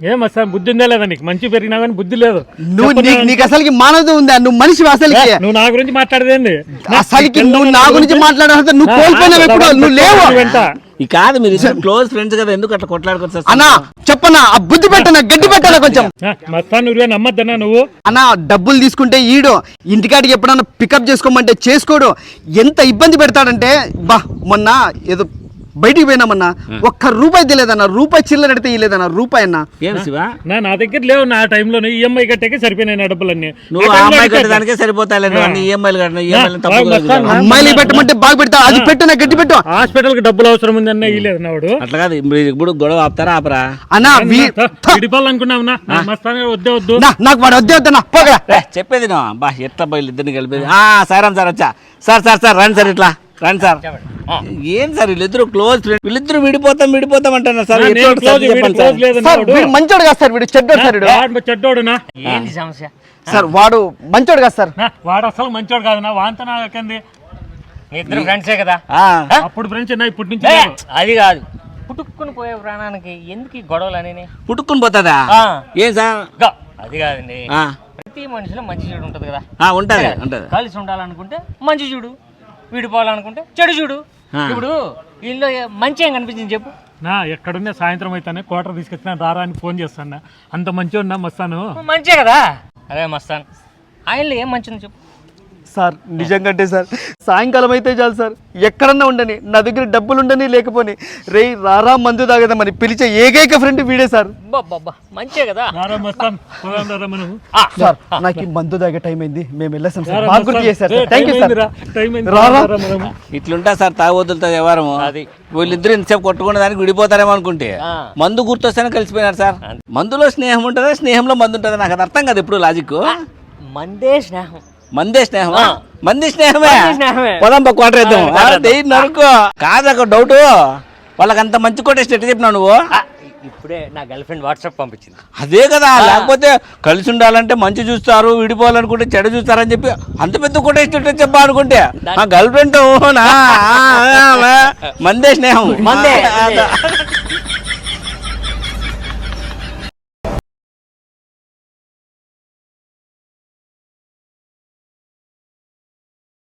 ఏం అసలు బుద్ధి ఉందా లేదా నీకు? మంచి పెరిగినా కానీ బుద్ధి లేదు. నీకు అసలుకి మానవత ఉందా? నువ్వు మనిషి అసలుకి? నువ్వు నా గురించి మాట్లాడేది అసలుకి నువ్వు నా గురించి మాట్లాడాలంటే నువ్వు కోల్పోయినావు. ఎప్పుడు నువ్వు లేవు. ఈ కాదు మీరు క్లోజ్ ఫ్రెండ్స్ కదా, ఎందుకు అట్లా కొట్లాడుకోవచ్చు అన్నా? చెప్పనా? ఆ బుద్ధి పెట్టనా, గడ్డి పెట్టాలా కొంచెం? మస్తాన్ నువ్వే నమ్మద్దన్నా నువ్వు. అన్నా డబ్బులు తీసుకుంటే ఈడు ఇంటికాడికి ఎప్పుడన్నా పికప్ చేసుకోమంటే చేసుకోడు. ఎంత ఇబ్బంది పెడతాడంటే బా మొన్న ఏదో బయటికి పోయినామన్నా, ₹1 తెలియదన్నా. రూపాయి చిల్లర అడితే ఇలేదన్నా. రూపాయి అన్నా. ఏం శివ నా దగ్గర లేవు. నా టైంలో ఈఎంఐ కట్టాకే సరిపోయినాయి నా డబ్బులన్నీ. నువ్వు అమ్మాయి కట్టడానికే సరిపోతాయి. ఈఎంఐలు కట్టిన అమ్మాయిలు పెట్టమంటే బాగా పెడతా. అది పెట్టు, నా గట్టి పెట్టు. హాస్పిటల్ కి డబ్బులు అవసరం ఉంది అన్న ఇలేదు నాడు. అట్లా కాదు, ఇప్పుడు గొడవ ఆపుతారా ఆపరా అన్నా? విడిపోవాలనుకున్నావునా? మస్తాన్ వద్దే వద్దు నాకు వాడు వద్దే వద్దన్నా. చెప్పేది బా ఎట్లా బయలు ఇద్దరిని కలిపేది. సార్ సార్ వచ్చా సార్ సార్ సార్ రండి సార్, ఇట్లా రండి సార్. ఏం సార్ వీళ్ళిద్దరు క్లోజ్ ఫ్రెండ్, వీళ్ళిద్దరు విడిపోతాం అంటున్నారు సార్. మంచోడు కాదు సార్, వీడు చెడ్డోడు సార్. చెడ్డోడునా? ఏంటి సమస్య సార్ వాడు మంచోడు కాదు సార్. వాడు అసలు మంచోడు కాదునా. వాంత నాకంది. మీ ఇద్దరు ఫ్రెండ్సే కదా? అప్పుడు ఫ్రెండ్స్ ఇప్పటి నుంచి అది కాదు, పుట్టుకుని పోయే ప్రాణానికి ఎందుకు ఈ గొడవలు అని? పుట్టుకుని పోతుందా? ఏం సార్ అది కాదండి. ప్రతి మనిషిలో మంచి చెడు ఉంటది కదా. ఉంటది. కలిసి ఉండాలనుకుంటే మంచి చూడు, విడిపోవాలనుకుంటే చెడు చూడు. ఇప్పుడు వీళ్ళు మంచి ఏం కనిపించింది చెప్పు? నా ఎక్కడున్నా సాయంత్రం అయితేనే క్వార్టర్ తీసుకొచ్చిన రారా అని ఫోన్ చేస్తాను. అంత మంచిగా ఉన్నా మస్తాను. మంచే కదా. అదే మస్తాన్, ఆయనలో ఏం మంచి ఉంది చెప్పు? సార్ నిజంగా సార్ సాయంకాలం అయితే చాలు సార్, ఎక్కడన్నా ఉండని, నా దగ్గర డబ్బులు ఉండని లేకపోని, రే రారా మందు తాగదామని పిలిచే ఏకైక ఫ్రెండ్ వీడే సార్. మంచే కదా. సార్ నాకు మందు తాగే టైం అయింది, మేము వెళ్ళేసాం సార్. బాగా గుర్తు చేశారు సార్. Thank you sir. ఇట్లుంటా సార్ తాగొద్దులతో వ్యవహారం. అది వీళ్ళిద్దరు ఇంతసేపు కొట్టుకునే దానికి విడిపోతారేమో అనుకుంటే మందు గుర్తొస్తేనే కలిసిపోయినారు సార్. మందులో స్నేహం ఉంటుందా, స్నేహంలో మందు ఉంటుందా? నాకు అది అర్థం కాదు ఎప్పుడు లాజిక్. మందే స్నేహం. మందే స్నేహమా? మంది స్నేహమే. పొలం క్వార్టర్ వేద్దాం నరుకో. కాదు ఒక డౌట్, వాళ్ళకి అంత మంచి కొట్టేసి ఎట్లా చెప్పినావు నువ్వు? ఇప్పుడే నా గర్ల్ ఫ్రెండ్ వాట్సాప్ పంపించింది. అదే కదా, లేకపోతే కలిసి ఉండాలంటే మంచి చూస్తారు, విడిపోవాలనుకుంటే చెడు చూస్తారని చెప్పి అంత పెద్ద కొట్టేసి చెప్పా అనుకుంటే మా గర్ల్ ఫ్రెండ్ మందే స్నేహం. మందే